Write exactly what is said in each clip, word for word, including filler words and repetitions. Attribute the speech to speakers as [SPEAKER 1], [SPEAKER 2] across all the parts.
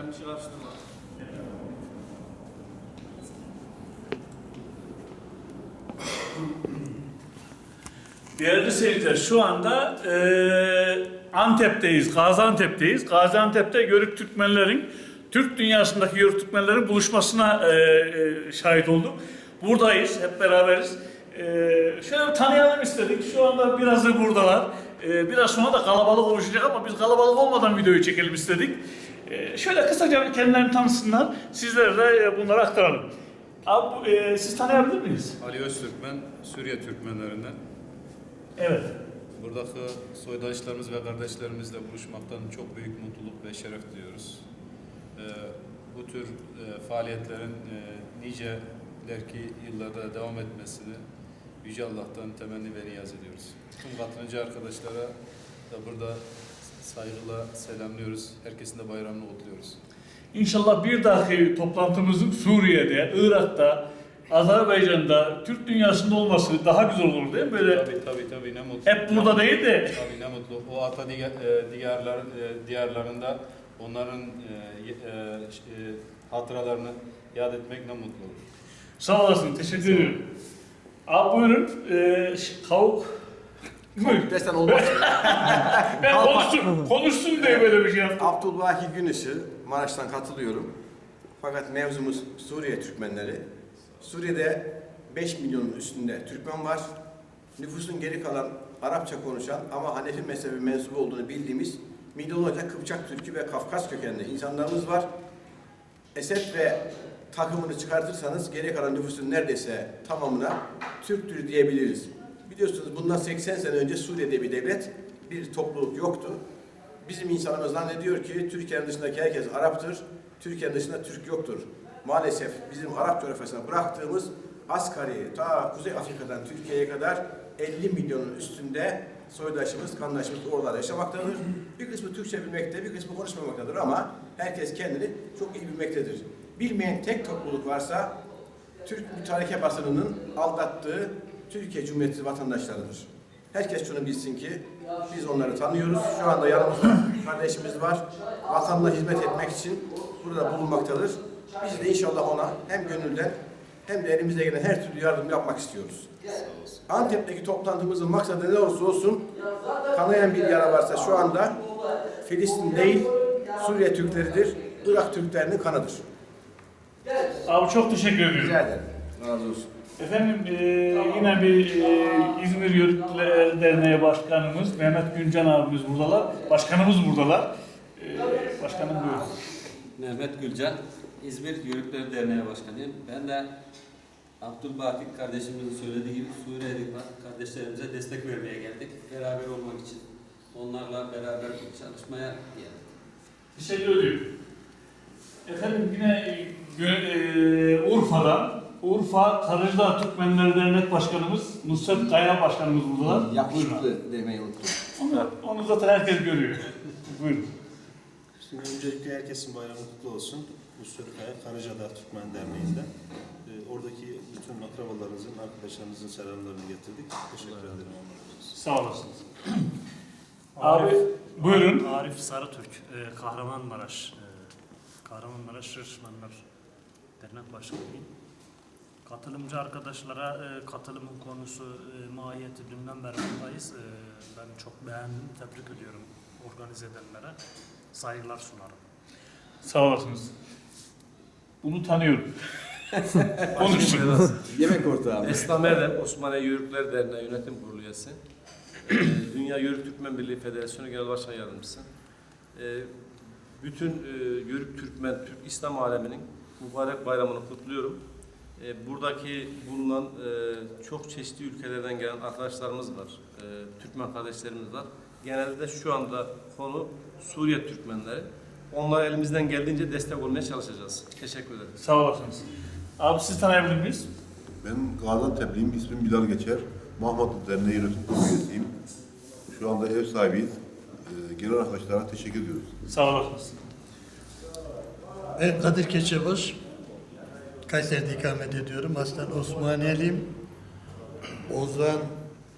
[SPEAKER 1] karıştırma.
[SPEAKER 2] Değerli seyirciler, şu anda e, Antep'teyiz, Gaziantep'teyiz. Gaziantep'te Yörük Türkmenlerin, Türk dünyasındaki Yörük Türkmenlerin buluşmasına e, e, şahit olduk. Buradayız, hep beraberiz. E, şöyle bir tanıyalım istedik. Şu anda birazı buradalar. E, biraz sonra da kalabalık oluşacak ama biz kalabalık olmadan videoyu çekelim istedik. E, şöyle kısaca bir kendilerini tanısınlar, sizlere de bunları aktaralım. Abi, e, siz tanıyabilir miyiz?
[SPEAKER 3] Ali Öztürkmen, Suriye Türkmenlerinden.
[SPEAKER 2] Evet.
[SPEAKER 3] Buradaki soydaşlarımız ve kardeşlerimizle buluşmaktan çok büyük mutluluk ve şeref duyuyoruz. Ee, bu tür e, faaliyetlerin e, niceler ki yıllarda devam etmesini Yüce Allah'tan temenni ve niyaz ediyoruz. Tüm katılımcı arkadaşlara da burada saygıyla selamlıyoruz. Herkesin de bayramını kutluyoruz.
[SPEAKER 2] İnşallah bir dahaki toplantımızın Suriye'de, Irak'ta, Azerbaycan'da, Türk dünyasında olması daha güzel olur değil mi? Böyle
[SPEAKER 3] Tabii tabii tabii ne mutlu.
[SPEAKER 2] hep burada
[SPEAKER 3] ne
[SPEAKER 2] değil de.
[SPEAKER 3] Tabii ne mutlu. O ata diyarlar, e, diyarlarında onların e, e, e, hatıralarını yad etmek ne mutlu olur.
[SPEAKER 2] Sağ olasın, teşekkür ederim. Abi buyurun, ee, kavuk.
[SPEAKER 1] Kavuk desen olmaz.
[SPEAKER 2] Ben konuşsun, konuşsun diye böyle bir şey yaptım.
[SPEAKER 1] Abdülbaki Günış'ı Maraş'tan katılıyorum. Fakat mevzumuz Suriye Türkmenleri. Suriye'de beş milyonun üstünde Türkmen var. Nüfusun geri kalan Arapça konuşan ama Hanefi mezhebi mensubu olduğunu bildiğimiz milyonlarca Kıpçak Türkü ve Kafkas kökenli insanlarımız var. Esed ve takımını çıkartırsanız geri kalan nüfusun neredeyse tamamına Türktür diyebiliriz. Biliyorsunuz bundan seksen sene önce Suriye'de bir devlet, bir topluluk yoktu. Bizim insanımız zannediyor ki Türkiye'nin dışındaki herkes Arap'tır, Türkiye'nin dışında Türk yoktur. Maalesef bizim Arap coğrafyasına bıraktığımız asgari ta Kuzey Afrika'dan Türkiye'ye kadar elli milyonun üstünde soydaşımız, kandaşımız oralarda yaşamaktadır. Bir kısmı Türkçe bilmekte, bir kısmı konuşmamaktadır ama herkes kendini çok iyi bilmektedir. Bilmeyen tek topluluk varsa Türk mütareke basınının aldattığı Türkiye Cumhuriyeti vatandaşlarıdır. Herkes şunu bilsin ki biz onları tanıyoruz. Şu anda yanımızda kardeşimiz var. Vatanına hizmet etmek için burada bulunmaktadır. Biz de inşallah ona hem gönülden hem de elimizde gelen her türlü yardım yapmak istiyoruz. Antep'teki toplantımızın maksadı ne olursa olsun kanayan bir yara varsa şu anda Filistin değil Suriye Türkleridir, Irak Türklerinin kanıdır.
[SPEAKER 2] Abi çok teşekkür ediyorum.
[SPEAKER 1] Rica ederim. Razı olsun.
[SPEAKER 2] Efendim e, yine bir e, İzmir Yörükler Derneği Başkanımız Mehmet Güncan abimiz buradalar. Başkanımız buradalar. E, başkanım buyurun.
[SPEAKER 4] Mehmet Gülcan, İzmir Yörükler Derneği Başkanıyım. Ben de Abdülbaki kardeşimizin söylediği gibi Suriye'deki kardeşlerimize destek vermeye geldik. Beraber olmak için, onlarla beraber çalışmaya geldik.
[SPEAKER 2] Teşekkür ediyorum. Efendim yine e, e, Urfa'dan Urfa Karıcıdağ Türkmenleri Dernek Başkanımız Nusret Kaya Başkanımız buradalar.
[SPEAKER 1] Yakışıklı demeyi unuttum.
[SPEAKER 2] Onu, onu zaten herkes görüyor. Buyurun.
[SPEAKER 5] Şimdi öncelikle herkesin bayramı kutlu olsun. Nusret Kaya Karıcıdağ Türkmen Derneği'nden. Ee, oradaki bütün akrabalarınızın, arkadaşlarınızın selamlarını getirdik. Teşekkür ederim.
[SPEAKER 2] Sağ olasınız. Abi buyurun.
[SPEAKER 6] Arif Sarıtürk, e, Kahramanmaraş, e, Kahramanmaraş Şırşmanlar Dernek Başkanıyım. Katılımcı arkadaşlara e, katılımın konusu, e, mahiyeti dünden beri buradayız. E, ben çok beğendim, tebrik ediyorum organize edenlere. Saygılar sunarım.
[SPEAKER 2] Sağ olasınız. Bunu tanıyorum. Konuşun.
[SPEAKER 1] Yemek ortağı.
[SPEAKER 7] Esnaf Erdem, Osmaniye Yörükler Derneği Yönetim Kurulu üyesi. Ee, Dünya Yörük Türkmen Birliği Federasyonu Genel Başkan Yardımcısı. Ee, bütün e, Yörük Türkmen, Türk İslam aleminin mübarek bayramını kutluyorum. Ee, buradaki bulunan e, çok çeşitli ülkelerden gelen arkadaşlarımız var. E, Türkmen kardeşlerimiz var. Genelde şu anda konu Suriye Türkmenleri. Onlara elimizden geldiğince destek olmaya çalışacağız. Teşekkür ederim.
[SPEAKER 2] Sağ olasınız. Abi siz tanıyabilir miyiz?
[SPEAKER 8] Ben Gaziantep'liyim, ismim Bilal Geçer. Mahmutlu Derneği Yönetim Kurulu üyesiyim. Şu anda ev sahibiyiz. Ee, gelen arkadaşlara teşekkür ediyoruz.
[SPEAKER 2] Sağ olasınız.
[SPEAKER 9] Ben Kadir Keçeboz, Kayseri'de ikamet ediyorum. Aslen Osmaniyeliyim. Ozan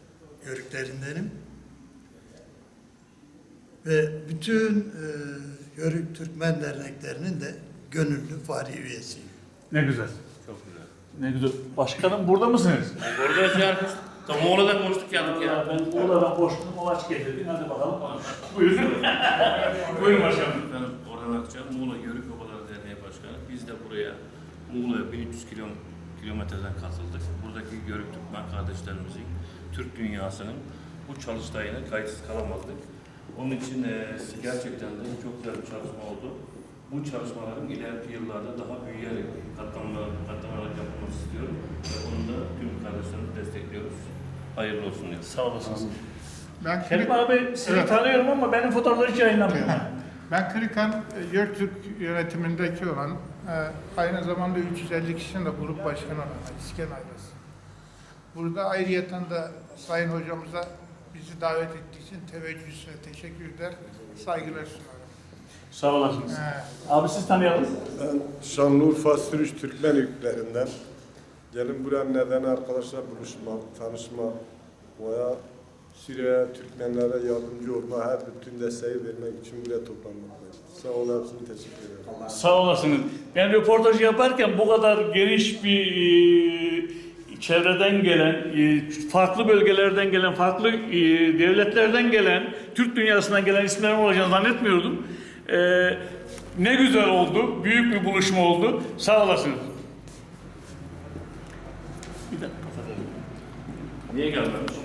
[SPEAKER 9] Yörüklerindenim. Ve bütün e, Yörük Türkmen derneklerinin de gönüllü fari üyesiyim.
[SPEAKER 2] Ne güzel.
[SPEAKER 7] Çok güzel.
[SPEAKER 2] Ne güzel. Başkanım burada mısınız?
[SPEAKER 10] Buradayız ya. Tam Muğla'da konuştuk
[SPEAKER 2] Ya
[SPEAKER 10] geldik ya.
[SPEAKER 2] ben Muğla'dan boştum, Ovaç getirdim. Hadi bakalım konuş. Buyurun. Buyurun başkanım.
[SPEAKER 10] Ben Orhan Akça, Muğla Yörük Obaları Derneği Başkanı. Biz de buraya Muğla'ya bin üç yüz kilo, kilometreden katıldık. Buradaki Yörük Türkmen kardeşlerimizin, Türk dünyasının bu çalıştayına kayıtsız kalamadık. Onun için e, gerçekten de çok güzel bir çalışma oldu. Bu çalışmaların ileriki yıllarda daha büyüyerek, katlanarak, katlanarak yapılması istiyorum. Ve onu da tüm kardeşlerimizi destekliyoruz. Hayırlı olsun diyoruz.
[SPEAKER 2] Sağ olasınız.
[SPEAKER 11] Ben
[SPEAKER 2] Kerim
[SPEAKER 11] Kırık,
[SPEAKER 2] abi sizi
[SPEAKER 11] Evet.
[SPEAKER 2] tanıyorum ama benim fotoğrafları hiç yayınlamıyorum.
[SPEAKER 11] ben Kırıkan Yörtürk yönetimindeki olan, e, aynı zamanda üç yüz elli kişinin de grup başkanı olan İsken ailesi. Burada ayrıyeten de Sayın Hocamıza bizi davet ettiği için teveccühüne teşekkür eder, saygılar sunarım.
[SPEAKER 2] Sağ olasınız.
[SPEAKER 11] He.
[SPEAKER 2] Abi siz tanıyalım.
[SPEAKER 12] Ben Şanlıurfa Sürüş Türkmen yüklerinden. Gelin buraya neden arkadaşlar buluşmak, tanışmak, veya Suriye Türkmenlere yardımcı olma, her bütün desteği vermek için buraya toplanmaktayız. Sağ olun, hepsine teşekkür ederim.
[SPEAKER 2] Sağ olasınız. Ben röportajı yaparken bu kadar geniş bir e, çevreden gelen, e, farklı bölgelerden gelen, farklı e, devletlerden gelen, Türk dünyasından gelen isimlerin olacağını zannetmiyordum. E, ne güzel oldu, büyük bir buluşma oldu. Sağ olasınız. Bir dakika kapatalım.
[SPEAKER 10] Niye gelmemiş?